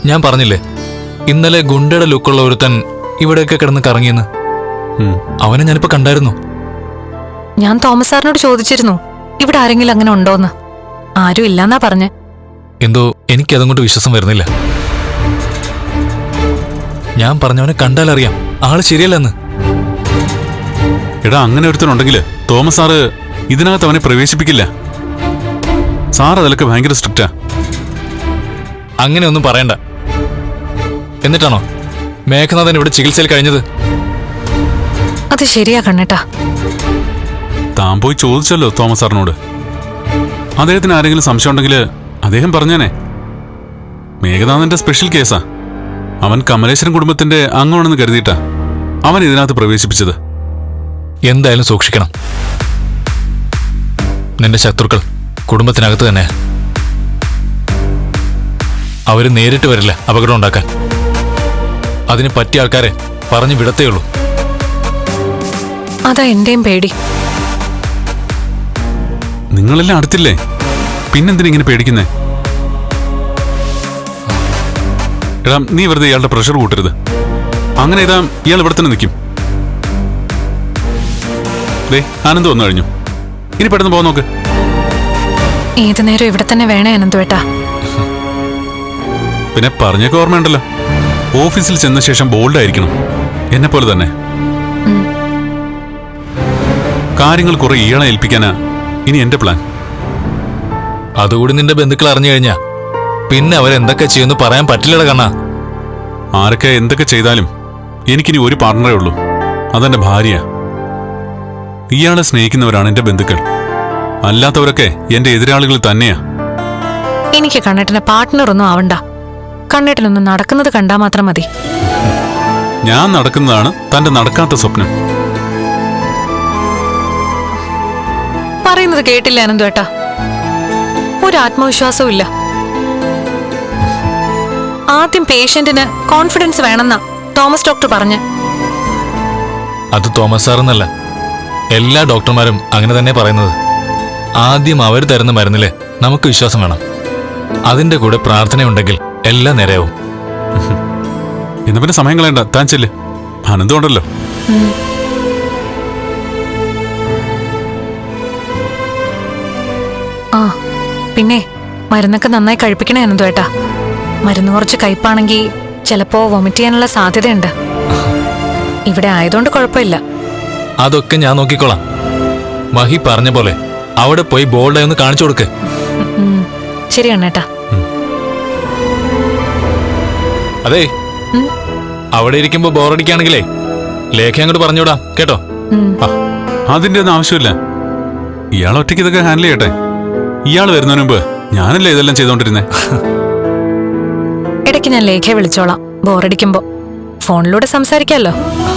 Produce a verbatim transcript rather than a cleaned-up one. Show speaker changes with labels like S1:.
S1: ഞാൻ പറഞ്ഞില്ലേ ഇന്നലെ ഗുണ്ടയുടെ ലുക്കുള്ള ഒരുത്തൻ ഇവിടെയൊക്കെ കിടന്ന് കറങ്ങിയെന്ന്. അവനെ ഞാനിപ്പോ കണ്ടായിരുന്നു.
S2: ഞാൻ തോമസ് സാറിനോട് ചോദിച്ചിരുന്നു ഇവിടെ ആരെങ്കിലും അങ്ങനെ ഉണ്ടോന്ന്. ആരും ഇല്ലെന്നാ പറഞ്ഞേ.
S1: എന്തോ എനിക്കതങ്ങോട്ട് വിശ്വാസം വരുന്നില്ല. ഞാൻ പറഞ്ഞവനെ കണ്ടാലറിയാം ആള് ശരിയല്ലെന്ന്.
S3: എടാ, അങ്ങനെ ഒരുത്തനുണ്ടെങ്കിൽ തോമസ് സാറ് ഇതിനകത്ത് അവനെ പ്രവേശിപ്പിക്കില്ല. സാർ അതിലൊക്കെ ഭയങ്കര സ്ട്രിക്റ്റാ.
S1: അങ്ങനെയൊന്നും പറയണ്ട. എന്നിട്ടാണോ മേഘനാഥൻ ഇവിടെ ചികിത്സയിൽ കഴിഞ്ഞത്?
S2: അത് ശരിയാ കണ്ണേട്ടാ.
S3: താൻ പോയി ചോദിച്ചല്ലോ തോമസ് സാറിനോട്. അദ്ദേഹത്തിന് ആരെങ്കിലും സംശയം ഉണ്ടെങ്കിൽ അദ്ദേഹം പറഞ്ഞേനെ. മേഘനാഥന്റെ സ്പെഷ്യൽ കേസാ. അവൻ കമലേശ്വരൻ കുടുംബത്തിന്റെ അംഗമാണെന്ന് കരുതിയിട്ടാ അവൻ ഇതിനകത്ത് പ്രവേശിപ്പിച്ചത്.
S1: എന്തായാലും സൂക്ഷിക്കണം. നിന്റെ ശത്രുക്കൾ കുടുംബത്തിനകത്ത് തന്നെ. അവര് നേരിട്ട് വരില്ല അപകടം ഉണ്ടാക്കാൻ. അതിന് പറ്റിയ ആൾക്കാരെ പറഞ്ഞു വിടത്തേയുള്ളൂ.
S2: അതാ എന്റെയും പേടി.
S3: നിങ്ങളെല്ലാം അടുത്തില്ലേ, പിന്നെന്തിനിങ്ങനെ പേടിക്കുന്നേ? എടാ, നീ വെറുതെ ഇയാളുടെ പ്രഷർ കൂട്ടരുത്. അങ്ങനെ ഇതാ ഇയാൾ ഇവിടെ തന്നെ നിൽക്കും. ദേ, ആനന്ദ് വന്നു കഴിഞ്ഞു. ഇനി പെട്ടെന്ന് പോകാൻ നോക്ക്.
S2: ഏതു നേരം ഇവിടെ തന്നെ വേണേ അനന്തുവേട്ടാ.
S3: പിന്നെ പറഞ്ഞൊക്കെ ഓർമ്മയുണ്ടല്ലോ, ഓഫീസിൽ ചെന്ന ശേഷം ബോൾഡ് ആയിരിക്കണം. എന്നെ പോലെ തന്നെ. കാര്യങ്ങൾ കുറെ ഇയാളെ ഏൽപ്പിക്കാനാ ഇനി എന്റെ പ്ലാൻ.
S1: അതുകൂടി നിന്റെ ബന്ധുക്കൾ അറിഞ്ഞു കഴിഞ്ഞാ പിന്നെ അവരെന്തൊക്കെ ചെയ്യുമെന്ന് പറയാൻ പറ്റില്ലട കണ്ണാ.
S3: ആരൊക്കെ എന്തൊക്കെ ചെയ്താലും എനിക്കിനി ഒരു പാർട്ണറേ ഉള്ളൂ. അതെന്റെ ഭാര്യ. ഇയാളെ സ്നേഹിക്കുന്നവരാണ് എന്റെ ബന്ധുക്കൾ. അല്ലാത്തവരൊക്കെ എന്റെ എതിരാളികൾ തന്നെയാ.
S2: എനിക്ക് കണ്ണേട്ടന്റെ പാർട്ട്ണർ ഒന്നും ആവണ്ട. കണ്ണേട്ടനൊന്നും നടക്കുന്നത് കണ്ടാ മാത്രം മതി.
S3: ഞാൻ നടക്കുന്നതാണ് തന്റെ നടക്കാത്ത സ്വപ്നം.
S2: പറയുന്നത് കേട്ടില്ല അനന്തുവേട്ടാ. ഒരു ആത്മവിശ്വാസവും ഇല്ല. ആദ്യം പേഷ്യന്റിന് കോൺഫിഡൻസ് വേണമെന്നാ തോമസ് ഡോക്ടർ പറഞ്ഞ്.
S1: അത് തോമസ് സാറെന്നല്ല, എല്ലാ ഡോക്ടർമാരും അങ്ങനെ തന്നെ പറയുന്നത്. ആദ്യം അവർ തരുന്ന മരുന്നില് നമുക്ക് വിശ്വാസം വേണം. അതിന്റെ കൂടെ പ്രാർത്ഥനയുണ്ടെങ്കിൽ എല്ലാം നേരെയാവും.
S3: എന്നാ പിന്നെ സമയം കളയണ്ട, താൻ ചെല്ല്. ആനന്ദമുണ്ടല്ലോ.
S2: ആ പിന്നെ മരുന്നൊക്കെ നന്നായി കഴിപ്പിക്കണേ അനന്തുവേട്ടാ. മരുന്ന് കുറച്ച് കയ്പാണെങ്കിൽ ചിലപ്പോ വൊമിറ്റ് ചെയ്യാനുള്ള സാധ്യതയുണ്ട്. ഇവിടെ ആയതുകൊണ്ട് കുഴപ്പമില്ല.
S1: അതൊക്കെ ഞാൻ നോക്കിക്കോളാം. മഹി പറഞ്ഞ പോലെ അവിടെ പോയി ബോൾഡായി ഒന്ന് കാണിച്ചു കൊടുക്ക്.
S2: ശരി അണ്ണേട്ടാ.
S1: അതെ, അവിടെ ഇരിക്കുമ്പോ ബോറടിക്കുകയാണെങ്കിലേ ലേഖ അങ്ങോട്ട് പറഞ്ഞുവിടാം കേട്ടോ.
S3: അതിന്റെ ഒന്നും ആവശ്യമില്ല. ഇയാൾ ഒറ്റയ്ക്ക് ഇതൊക്കെ ഹാൻഡിൽ ചെയ്യട്ടെ. ഇയാൾ വരുന്നതിന് മുമ്പ് ഞാനല്ലേ ഇതെല്ലാം ചെയ്തോണ്ടിരുന്നേ.
S2: ഇടയ്ക്ക് ഞാൻ ലേഖയെ വിളിച്ചോളാം ബോറടിക്കുമ്പോ. ഫോണിലൂടെ സംസാരിക്കാമല്ലോ.